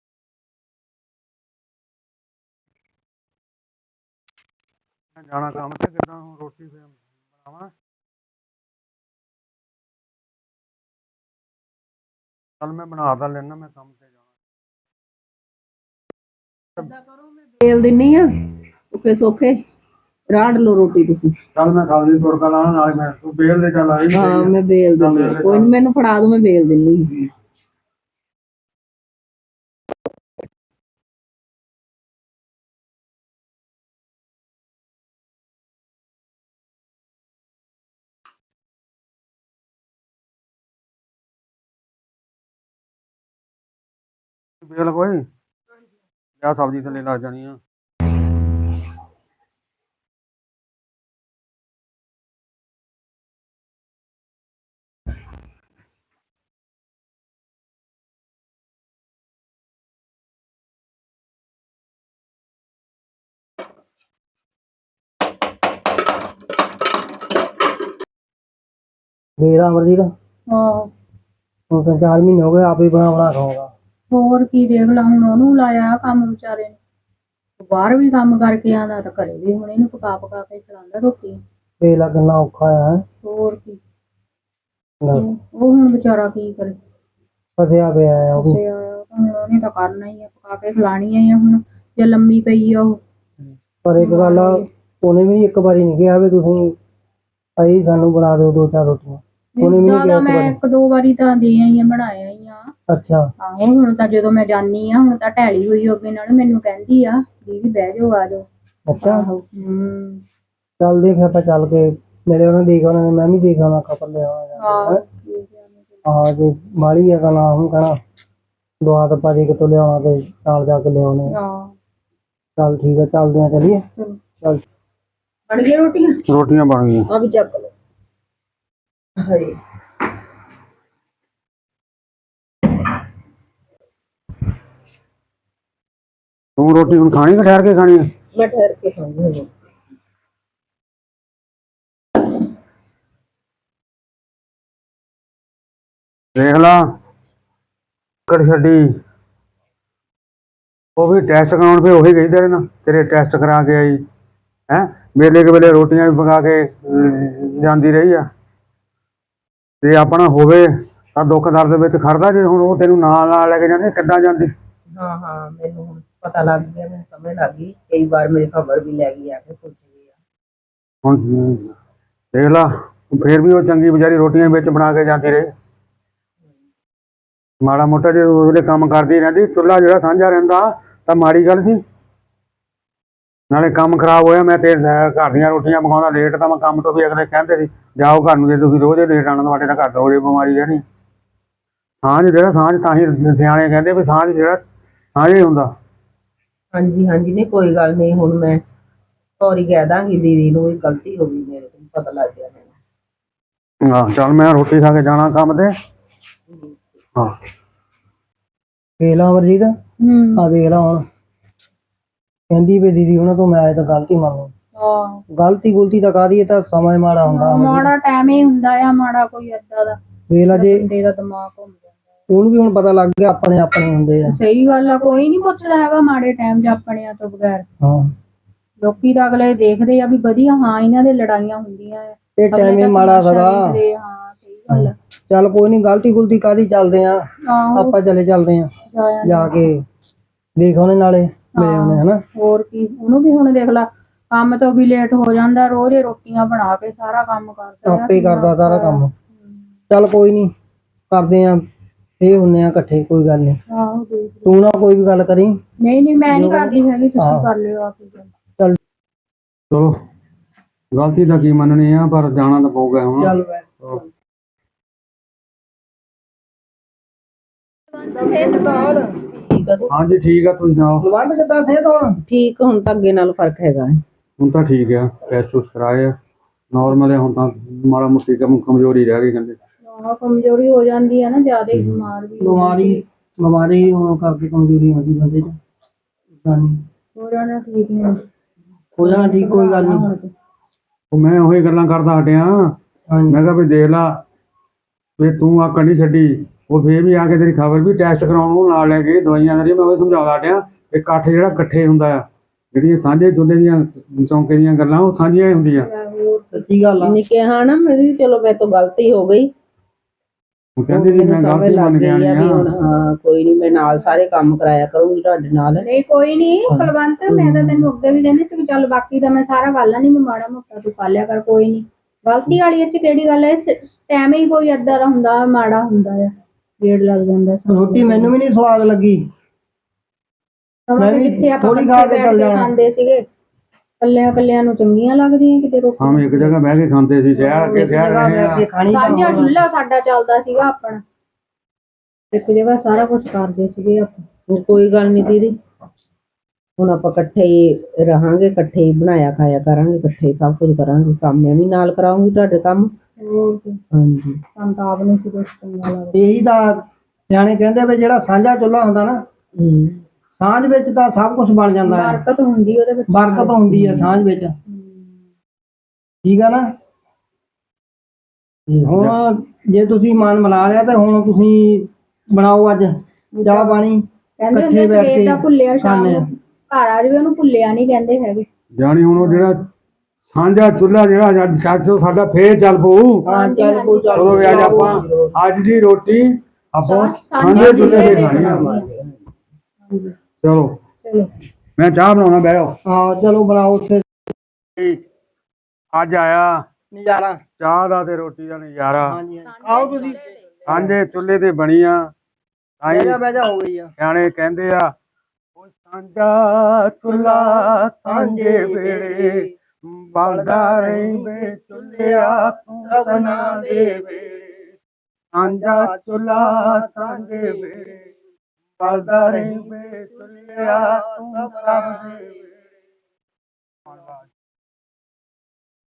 S4: ਜਾਣਾ ਕੰਮ ਤੇ, ਕਿੱਦਾਂ ਹੁਣ ਰੋਟੀ ਫਿਰ ਬਣਾਵਾਂ। ਚੱਲ ਮੈਂ ਬਣਾ ਤਾਂ ਲੈਣਾ, ਮੈਂ ਕੰਮ ਤੇ ਜਾਣਾ।
S2: ਬੇਲ ਦਿੰਨੀ ਆ ਔਖੇ ਸੌਖੇ, ਰਾੜ ਲਓ ਰੋਟੀ ਤੁਸੀਂ।
S4: ਚੱਲ ਮੈਂ ਸਬਜ਼ੀ ਤੁੜਕਾ ਲਾਣਾ, ਨਾਲੇ ਮੈਂ ਤੂੰ ਬੇਲ ਦੇ ਚੱਲ ਆਈ।
S2: ਹਾਂ ਮੈਂ ਬੇਲ ਦਿੰਨੀ ਆ, ਕੋਈ ਨੀ ਮੈਨੂੰ ਫੜਾ ਦੂੰ, ਮੈਂ ਬੇਲ ਦਿੰਨੀ ਆ।
S4: ਬੇਲ ਕੋਈ ਜਾਂ ਸਬਜ਼ੀ ਥੱਲੇ ਲੱਗ ਜਾਣੀ ਆ।
S3: ਮੇਰਾ ਅਮਰਜੀਤ
S1: ਹਾਂ
S3: ਹੁਣ ਤਾਂ ਚਾਰ ਮਹੀਨੇ ਹੋ ਗਏ ਆਪ ਹੀ ਬਣਾ ਬਣਾ ਖਾਊਗਾ।
S1: ਹੋਰ ਕੀ, ਦੇਖ ਲਾ ਹੁਣ ਉਹਨੂੰ ਲਾਇਆ ਕੰਮ ਵਿਚਾਰੇ ਨੇ, ਬਾਹਰ ਵੀ ਕੰਮ ਕਰਕੇ ਆਉਂਦਾ ਤਾਂ ਘਰੇ ਵੀ ਹੁਣ ਇਹਨੂੰ ਪਕਾ ਪਕਾ ਕੇ ਖਿਲਾਉਂਦਾ ਰੋਟੀ।
S3: ਵੇਲਾ ਕਿੰਨਾ ਔਖਾ ਆ।
S1: ਹੋਰ ਕੀ, ਉਹ ਹੁਣ ਵਿਚਾਰਾ ਕੀ ਕਰੇ,
S3: ਫਸਿਆ ਪਿਆ ਆ ਉਹ ਵੀ।
S1: ਫਸਿਆ ਹੋਇਆ, ਉਹ ਤਾਂ ਹੁਣ ਉਹਨੇ ਤਾਂ ਕਰਨਾ ਹੀ ਆ, ਪਕਾ ਕੇ ਖਿਲਾਣੀਆਂ ਹੀ ਆ ਹੁਣ, ਜੇ ਲੰਮੀ ਪਈ ਆ ਉਹ।
S3: ਪਰ ਇੱਕ ਗੱਲ ਆ, ਉਹਨੇ ਵੀ ਇੱਕ ਵਾਰੀ ਨਹੀਂ ਕਿਹਾ ਵੀ ਤੁਸੀਂ ਭਾਈ ਸਾਨੂੰ ਬਣਾ ਦਿਓ ਦੋ ਚਾਰ ਰੋਟੀਆਂ। ਉਹਨੇ ਵੀ ਨਹੀਂ
S1: ਜ਼ਿਆਦਾ
S3: ਕਿਹਾ
S1: ਮੈਂ ਇੱਕ ਦੋ ਵਾਰੀ ਤਾਂ ਦੇ ਆਈ ਆ, ਬਣਾਇਆ ਹੀ ਆ।
S3: ਅੱਛਾ
S1: ਆਹੋ ਹੁਣ ਤਾਂ ਜਦੋਂ ਮੈਂ ਜਾਨੀ ਆ, ਹੁਣ ਤਾਂ ਢੈਲੀ ਹੋਈ ਅੱਗੇ ਨਾਲ, ਮੈਨੂੰ ਕਹਿੰਦੀ ਆ ਦੀਦੀ ਬਹਿ ਜਾਓ ਆ ਜਾਓ।
S3: ਅੱਛਾ
S1: ਆਹੋ ਹੂੰ
S3: ਚੱਲਦੇ ਫਿਰ ਆਪਾਂ ਚੱਲ ਕੇ ਮੇਰੇ ਉਹਨੇ ਦੇਖ ਉਹਨਾਂ ਨੇ, ਮੈਂ ਵੀ ਦੇਖ ਆਉਣਾ ਖਪਰ ਲਿਆ
S1: ਆਹੋ ਠੀਕ ਆ।
S3: ਹਾਂ ਜੇ ਮਾੜੀ ਆ ਤਾਂ ਨਾ ਉਹਨੂੰ ਕਹਿਣਾ ਦੁਆ ਤਾਂ ਭਾਜੀ ਕਿਤੋਂ ਲਿਆਉਣਾ ਤੇ ਨਾਲ ਜਾ ਕੇ ਲਿਆਉਣੇ।
S1: ਹਾਂ
S3: ਚੱਲ ਠੀਕ ਆ, ਚੱਲਦੇ ਆ, ਚੱਲੀਏ।
S1: ਚਲੋ।
S3: ਚੱਲ
S2: ਬਣ ਗਈਆਂ ਰੋਟੀਆਂ?
S4: ਰੋਟੀਆਂ ਬਣ ਗਈਆਂ।
S2: ਆ ਵੀ ਚੱਕ ਲਓ। ਹਾਏ
S4: ਤੂੰ ਰੋਟੀ ਹੁਣ ਖਾਣੀ ਕਿ ਠਹਿਰ ਕੇ ਖਾਣੀ ਹੈ?
S2: ਮੈਂ ਠਹਿਰ ਕੇ ਖਾਂਗੀ।
S4: ਦੇਖ ਲਾ ਕੜ ਛੱਡੀ, ਉਹ ਵੀ ਟੈਸਟ ਕਰਾਉਣ, ਫਿਰ ਉਹੀ ਗਈ ਤੇਰੇ ਨਾਲ, ਤੇਰੇ ਟੈਸਟ ਕਰਾ ਕੇ ਆਈ ਹੈ, ਵੇਲੇ ਕੇ ਵੇਲੇ ਰੋਟੀਆਂ ਵੀ ਪਕਾ ਕੇ ਅਮ, ਜਾਂਦੀ ਰਹੀ ਆ। ਤੇ ਆਪਣਾ ਹੋਵੇ ਤਾਂ ਦੁੱਖ ਦਰਦ ਵਿੱਚ ਖੜਦਾ, ਜੇ ਹੁਣ ਉਹ ਤੈਨੂੰ ਨਾਲ ਨਾਲ ਲੈ ਕੇ ਜਾਂਦੀ ਕਿੱਦਾਂ ਜਾਂਦੀ।
S2: ਹਾਂ ਹਾਂ ਮੈਨੂੰ ਹੁਣ ਪਤਾ ਲੱਗ ਗਿਆ, ਮੈਨੂੰ ਸਮਝ ਲੱਗ ਗਈ, ਕਈ ਵਾਰ ਮੇਰੀ ਖਬਰ ਵੀ ਲੈ ਗਈ ਆ ਕੇ ਪੁੱਛ ਗਈ ਆ।
S4: ਹੁਣ ਦੇਖ ਲਾ ਫਿਰ ਵੀ ਉਹ ਚੰਗੀ ਵਿਚਾਰੀ ਰੋਟੀਆਂ ਵਿੱਚ ਬਣਾ ਕੇ ਜਾਂਦੀ ਰਹੀ। ਮਾੜਾ ਮੋਟਾ ਜੇ ਉਹਦੇ ਕੰਮ ਕਰਦੀ ਰਹਿੰਦੀ, ਚੁੱਲ੍ਹਾ ਜਿਹੜਾ ਸਾਂਝਾ ਰਹਿੰਦਾ ਤਾਂ ਮਾੜੀ ਗੱਲ ਸੀ। ਨਾਲੇ ਕੰਮ ਖਰਾਬ ਹੋਇਆ, ਮੈਂ ਤੇ ਘਰ ਦੀਆਂ ਰੋਟੀਆਂ ਪਕਾਉਂਦਾ ਲੇਟ, ਤਾਂ ਮੈਂ ਕੰਮ ਤੋਂ ਵੀ ਅਗਲੇ ਕਹਿੰਦੇ ਸੀ ਜਾਓ ਘਰ ਨੂੰ, ਜੇ ਤੁਸੀਂ ਰੋਜ਼ ਲੇਟ ਆਉਣਾ ਤੁਹਾਡੇ ਤਾਂ ਘਰ ਰੋਜ਼ ਬਿਮਾਰੀ ਰਹਿਣੀ। ਸਾਂਝ ਜਿਹੜਾ ਸਾਂਝ, ਤਾਂ ਹੀ ਸਿਆਣੇ ਕਹਿੰਦੇ ਵੀ ਸਾਂਝ ਜਿਹੜਾ ਸਾਂਝ ਹੀ ਹੁੰਦਾ।
S2: ਹਾਂਜੀ ਹਾਂਜੀ ਨਹੀਂ ਕੋਈ ਗੱਲ ਨਹੀਂ, ਹੁਣ ਮੈਂ ਸੌਰੀ ਕਹਿ ਦਾਂਗੀ ਦੀਦੀ ਨੂੰ, ਇਹ ਗਲਤੀ ਹੋ ਗਈ ਮੇਰੇ ਤੋਂ, ਪਤਾ ਲੱਗ ਗਿਆ ਮੈਨੂੰ।
S4: ਹਾਂ ਚੱਲ ਮੈਂ ਰੋਟੀ ਖਾ ਕੇ ਜਾਣਾ ਕੰਮ ਤੇ। ਹਾਂ
S3: ਦੇਖ ਲਾ ਅਮਰਜੀਤ,
S1: ਹੂੰ
S3: ਆ ਦੇਖ ਲਾ ਹੁਣ ਕਹਿੰਦੀ ਵੀ ਦੀਦੀ ਉਹਨਾਂ ਤੋਂ ਮੈਂ ਤਾਂ ਗਲਤੀ ਮੰਨੂ।
S1: ਆਹ
S3: ਗਲਤੀ ਗੁਲਤੀ ਤਾਂ ਕਾਹਦੀ, ਇਹ ਤਾਂ ਸਮਾਂ ਹੀ ਮਾੜਾ ਹੁੰਦਾ ਅਮਰਜੀਤ।
S1: ਮਾੜਾ ਟਾਈਮ ਹੀ ਹੁੰਦਾ ਆ, ਮਾੜਾ ਕੋਈ ਏਦਾਂ ਦਾ
S3: ਦੇਖ ਲਾ ਜੇ
S1: ਬੰਦੇ ਦਾ ਦਿਮਾਗ ਘੁੰਮ ਜਾਂਦਾ।
S3: ਉਹਨੂੰ ਵੀ ਹੁਣ ਪਤਾ ਲੱਗ ਗਿਆ ਆਪਣੇ ਆਪਣੇ ਹੁੰਦੇ ਆ।
S1: ਸਹੀ ਗੱਲ ਆ, ਕੋਈ ਨਹੀਂ ਪੁੱਛਦਾ ਹੈਗਾ ਮਾੜੇ ਟਾਈਮ 'ਚ ਆਪਣਿਆਂ ਤੋਂ ਬਗੈਰ।
S3: ਹਾਂ
S1: ਲੋਕੀ ਤਾਂ ਅਗਲੇ ਦੇਖਦੇ ਆ ਵੀ ਵਧੀਆ, ਹਾਂ ਇਹਨਾਂ ਦੇ ਲੜਾਈਆਂ ਹੁੰਦੀਆਂ ਆ,
S3: ਇਹ
S1: ਅਗਲੇ
S3: ਟਾਈਮ ਹੀ
S1: ਤਾਂ
S3: ਮਾੜਾ
S1: ਤਮਾਸ਼ਾ
S3: ਸੀਗਾ।
S1: ਦੇਖਦੇ ਆ। ਹਾਂ ਸਹੀ ਗੱਲ ਆ।
S3: ਚੱਲ ਕੋਈ ਨਹੀਂ, ਗਲਤੀ ਗੁਲਤੀ ਕਾਹਦੀ, ਚੱਲਦੇ ਆ
S1: ਆਹੋ
S3: ਆਪਾਂ, ਚਲੇ ਚੱਲਦੇ ਆ
S1: ਜਾਇਆ
S3: ਜਾ ਕੇ ਦੇਖ ਉਹਨੇ ਨਾਲੇ ਮਿਲੇ ਉਹਨੇ ਹਨਾ।
S1: ਹੋਰ ਕੀ, ਉਹਨੂੰ ਵੀ ਹੁਣ ਦੇਖ ਲਾ ਕੰਮ ਤੋਂ ਵੀ ਲੇਟ ਹੋ ਜਾਂਦਾ, ਰੋਜ਼ ਹੀ ਰੋਟੀਆਂ ਬਣਾ ਕੇ ਸਾਰਾ ਕੰਮ ਕਰਦਾ ਆ,
S3: ਆਪੇ
S1: ਕਿੰਨਾ
S3: ਕਰਦਾ ਸਾਰਾ
S1: ਔਖਾ ਆ।
S3: ਕੰਮ। ਚੱਲ ਕੋਈ ਨਹੀਂ, ਕਰਦੇ ਆ ਇਹ ਹੁੰਨੇ ਆ ਇਕੱਠੇ, ਕੋਈ ਗੱਲ ਨਹੀਂ।
S1: ਆਹੋ ਦੇਖ ਲਓ।
S3: ਤੂੰ ਨਾ ਕੋਈ ਵੀ ਗੱਲ ਕਰੀ।
S1: ਨਹੀਂ ਨਹੀਂ ਮੈਂ ਨਹੀਂ ਕਰਦੀ ਹੈਗੀ, ਤੁਸੀਂ
S3: ਆਹੋ।
S1: ਕਰ ਲਿਓ ਆਪ ਹੀ ਗੱਲ।
S3: ਚੱਲ
S4: ਚਲੋ ਗਲਤੀ ਤਾਂ ਕੀ ਮੰਨਣੀ ਆ, ਪਰ ਜਾਣਾ ਤਾਂ ਪਊਗਾ ਹੁਣ।
S3: ਚੱਲ
S2: ਠੀਕ ਆ
S4: ਹਾਂਜੀ ਠੀਕ ਆ, ਤੁਸੀਂ ਸੁਣਾਓ।
S3: ਲਵੰਦ ਕਿੱਦਾਂ ਸਿਹਤ ਹੁਣ?
S2: ਠੀਕ, ਹੁਣ ਤਾਂ ਅੱਗੇ ਨਾਲ ਫਰਕ ਹੈਗਾ।
S4: ਹੁਣ ਤਾਂ ਠੀਕ ਆ, ਟੈਸਟ ਟੂਸਟ ਕਰਾਏ ਆ, ਨਾਰਮਲ ਹੈ ਹੁਣ ਤਾਂ, ਮਾੜਾ ਮੋਟੀ ਕਮ ਕਮਜ਼ੋਰੀ ਰਹਿ ਗਈ ਕਹਿੰਦੇ।
S1: ਹਾਂ ਕਮਜ਼ੋਰੀ ਹੋ ਜਾਂਦੀ ਹੈ ਨਾ, ਜ਼ਿਆਦਾ ਹੀ ਬਿਮਾਰ ਵੀ ਹੋ
S3: ਬਿਮਾਰੀ
S1: ਜਾਂਦੀ
S3: ਬਿਮਾਰੀ ਹੋਣ ਕਰਕੇ ਕਮਜ਼ੋਰੀ ਆਉਂਦੀ ਬੰਦੇ 'ਚ ਏਦਾਂ ਨੀ।
S1: ਹੋ ਜਾਣਾ ਠੀਕ ਨਹੀਂ
S3: ਹੋ ਜਾਣਾ ਠੀਕ, ਕੋਈ ਗੱਲ ਨਹੀਂ।
S4: ਉਹ ਮੈਂ ਉਹੀ ਗੱਲਾਂ ਕਰਦਾ ਹਟਿਆ,
S3: ਹਾਂਜੀ
S4: ਮੈਂ ਕਿਹਾ ਵੀ ਦੇਖ ਲਾ ਵੀ ਤੂੰ ਆਕੜ ਨਹੀਂ ਛੱਡੀ। ਉਹ ਫੇਰ ਵੀ ਆ ਕੇ ਤੇਰੀ ਖਬਰ ਵੀ ਟੈਸਟ ਕਰਾਉਣ ਨੂੰ ਨਾਲ ਲੈ ਕੇ ਦਵਾਈਆਂ ਕਰੀ। ਮੈਂ ਉਹ ਸਮਝਾਉਂਦਾ ਹਟਿਆ ਕਿ ਇਕੱਠ ਜਿਹੜਾ ਇਕੱਠੇ ਹੁੰਦਾ ਆ, ਜਿਹੜੀਆਂ ਸਾਂਝੇ ਚੁੱਲ੍ਹੇ ਦੀਆਂ ਚੌਂਕੇ ਦੀਆਂ ਗੱਲਾਂ ਉਹ ਸਾਂਝੀਆਂ ਹੀ ਹੁੰਦੀਆਂ।
S1: ਹੋਰ
S3: ਸੱਚੀ ਗੱਲ ਆ।
S2: ਨਹੀਂ ਕਿਹਾ ਨਾ ਮੇਰੀ, ਚਲੋ ਮੇਰੇ ਤੋਂ ਗਲਤੀ ਹੋ ਗਈ।
S4: ਉਹ ਕਹਿੰਦੀ ਸੀ ਮੈਂ
S2: ਮੈਨੂੰ ਸਮਝ
S4: ਗਲਤੀ
S2: ਲੱਗ
S4: ਮੰਨ ਕੇ
S2: ਗਈ
S4: ਆਣੀ
S2: ਆ ਵੀ ਹੁਣ
S4: ਆ।
S2: ਹਾਂ ਕੋਈ ਨਹੀਂ, ਮੈਂ ਨਾਲ ਸਾਰੇ ਕੰਮ ਕਰਾਇਆ ਕਰੂੰਗੀ ਤੁਹਾਡੇ ਨਾਲ।
S1: ਨਹੀਂ ਕੋਈ ਨਹੀਂ ਕੁਲਵੰਤ, ਮੈਂ ਤਾਂ ਤੈਨੂੰ ਅੱਗੇ ਵੀ ਕਹਿੰਦੀ ਸੀ ਵੀ ਚੱਲ ਬਾਕੀ ਤਾਂ ਮੈਂ ਸਾਰਾ ਗੱਲ ਨਹੀਂ, ਮੈਂ ਮਾੜਾ ਮੋਟਾ ਤੂੰ ਕਰ ਲਿਆ ਕਰ, ਕੋਈ ਨਹੀਂ। ਗਲਤੀ ਵਾਲੀ ਇਹ 'ਚ ਕਿਹੜੀ ਗੱਲ ਹੈ, ਟਾਈਮ ਹੀ ਕੋਈ ਏਦਾਂ ਦਾ ਹੁੰਦਾ ਮਾੜਾ ਹੁੰਦਾ ਆ, ਗੇੜ ਲੱਗ ਜਾਂਦਾ ਸਾਨੂੰ।
S3: ਰੋਟੀ ਮੈਨੂੰ ਵੀ ਨਹੀਂ ਸਵਾਦ ਲੱਗੀ।
S1: ਸਮਾਂ
S3: ਮੈਂ
S1: ਤੇ
S3: ਵੀ
S1: ਕਿੱਥੇ ਆਪਾਂ
S3: ਥੋੜ੍ਹੀ
S1: ਇਕੱਠੇ
S3: ਖਾ ਕੇ
S1: ਬੈਠ
S3: ਚੱਲ
S1: ਕੇ
S3: ਜਾਣਾ।
S1: ਖਾਂਦੇ ਸੀਗੇ, ਕੱਲਿਆਂ ਕੱਲਿਆਂ ਨੂੰ ਚੰਗੀਆਂ ਲੱਗਦੀਆਂ ਕਿਤੇ ਰੋਟੀ।
S4: ਹਾਂ ਇੱਕ ਜਗ੍ਹਾ ਬਹਿ ਕੇ ਖਾਂਦੇ ਸੀ, ਸ਼ਹਿਰ ਅੱਗੇ
S3: ਇੱਕ
S4: ਸ਼ਹਿਰ
S3: ਜਗ੍ਹਾ
S4: ਰਹੇ
S3: ਬੈਠ ਕੇ
S4: ਆ।
S3: ਖਾਣੀ ਤਾਂ
S1: ਸਾਂਝਾ
S3: ਹੋਣਾ।
S1: ਚੁੱਲ੍ਹਾ ਸਾਡਾ ਚੱਲਦਾ ਸੀਗਾ ਆਪਣਾ, ਇੱਕ ਜਗ੍ਹਾ ਸਾਰਾ ਕੁਝ ਕਰਦੇ ਸੀਗੇ ਆਪਾਂ।
S2: ਹੁਣ ਕੋਈ ਗੱਲ ਨਹੀਂ ਦੀਦੀ, ਹੁਣ ਆਪਾਂ ਇਕੱਠੇ ਹੀ ਰਹਾਂਗੇ, ਇਕੱਠੇ ਹੀ ਬਣਾਇਆ ਖਾਇਆ ਕਰਾਂਗੇ, ਇਕੱਠੇ ਹੀ ਸਭ ਕੁਝ ਕਰਾਂਗੇ। ਕੰਮ ਮੈਂ ਵੀ ਨਾਲ ਕਰਾਉਂਗੀ ਤੁਹਾਡੇ ਕੰਮ।
S1: ਹੋਰ ਕੀ,
S2: ਹਾਂਜੀ
S1: ਸਾਨੂੰ ਤਾਂ ਆਪ ਨਹੀਂ ਸੀ ਕੁਛ ਚੰਗਾ ਲੱਗਦਾ।
S3: ਇਹੀ ਤਾਂ ਸਿਆਣੇ ਕਹਿੰਦੇ ਵੀ ਜਿਹੜਾ ਸਾਂਝਾ ਚੁੱਲ੍ਹਾ ਹੁੰਦਾ ਨਾ,
S2: ਹੂੰ
S3: ਸਾਂਝ ਵਿੱਚ ਤਾਂ ਸਭ ਕੁਝ ਬਣ ਜਾਂਦਾ ਹੈ।
S1: ਬਰਕਤ ਹੁੰਦੀ ਉਹਦੇ ਵਿੱਚ।
S3: ਬਰਕਤ ਹੁੰਦੀ ਹੈ ਸਾਂਝ ਵਿੱਚ, ਠੀਕ ਆ ਨਾ। ਤੇ ਹੁਣ ਜੇ ਤੁਸੀਂ ਮਨ ਮਿਲਾ ਲਿਆ ਤਾਂ ਹੁਣ ਤੁਸੀਂ ਬਣਾਓ ਅੱਜ ਚਾਹ ਪਾਣੀ,
S1: ਕਹਿੰਦੇ
S3: ਇਕੱਠੇ
S1: ਹੁੰਦੇ
S3: ਬੈਠ
S1: ਸਵੇਰ
S3: ਕੇ
S1: ਦਾ ਭੁੱਲਿਆ ਸ਼ਾਮ
S3: ਖਾਂਦੇ
S1: ਨੂੰ
S3: ਆ।
S1: ਘਰ ਆ ਜਾਵੇ ਉਹਨੂੰ ਭੁੱਲਿਆ ਨਹੀਂ ਕਹਿੰਦੇ ਹੈਗੇ।
S4: ਜਾਣੀ ਹੁਣ ਉਹ ਜਿਹੜਾ ਸਾਂਝਾ ਚੁੱਲ੍ਹਾ ਜਿਹੜਾ ਅੱਜ ਸੱਚ ਉਹ ਸਾਡਾ ਫੇਰ ਚੱਲ ਪਊ।
S3: ਹਾਂ ਚੱਲ ਪਊ, ਚੱਲ
S4: ਚਲੋ ਵੀ ਅੱਜ
S3: ਪਊ।
S4: ਆਪਾਂ ਅੱਜ ਦੀ ਰੋਟੀ ਆਪਾਂ
S1: ਸਾਂਝੇ
S4: ਸਾਂਝੇ ਚੁੱਲ੍ਹੇ
S1: ਚੁੱਲ੍ਹੇ
S4: ਤੇ
S1: ਤੇ
S4: ਖਾਣੀ ਆ।
S1: ਹਾਂਜੀ
S4: ਚਲੋ
S1: ਚਲੋ
S4: ਮੈਂ ਚਾਹ ਬਣਾਉਣਾ, ਬਹਿ ਜਾਓ।
S3: ਹਾਂ ਚਲੋ ਬਣਾਓ ਉੱਥੇ
S4: ਅੱਜ ਆਇਆ
S3: ਨਜ਼ਾਰਾ।
S4: ਚਾਹ ਦਾ ਤੇ ਰੋਟੀ ਦਾ ਨਜ਼ਾਰਾ।
S3: ਹਾਂਜੀ ਆਓ ਤੁਸੀਂ।
S4: ਸਾਂਝੇ ਚੁੱਲ੍ਹੇ ਤੇ ਬਣੀ ਆ।
S3: ਬਹਿ ਜਾ ਬਹਿ ਜਾ, ਹੋ ਗਈ ਆ।
S4: ਸਿਆਣੇ ਕਹਿੰਦੇ ਆ ਉਹ ਸਾਂਝਾ ਚੁੱਲ੍ਹਾ ਸਾਂਝੇ ਵੇਲੇ ਬਲਦਾ ਰਹੀ ਵੇ ਚੁੱਲ੍ਹਿਆ ਤੂੰ ਸਭਨਾਂ ਦੇ ਵੇਲੇ। ਸਾਂਝਾ ਚੁੱਲ੍ਹਾ ਸਾਂਝੇ ਵੇਲੇ ਬਲਦਾ ਰਹੀ ਵੇ ਚੁੱਲ੍ਹਿਆ ਤੂੰ ਸਭ ਦੇ ਵੇਲੇ।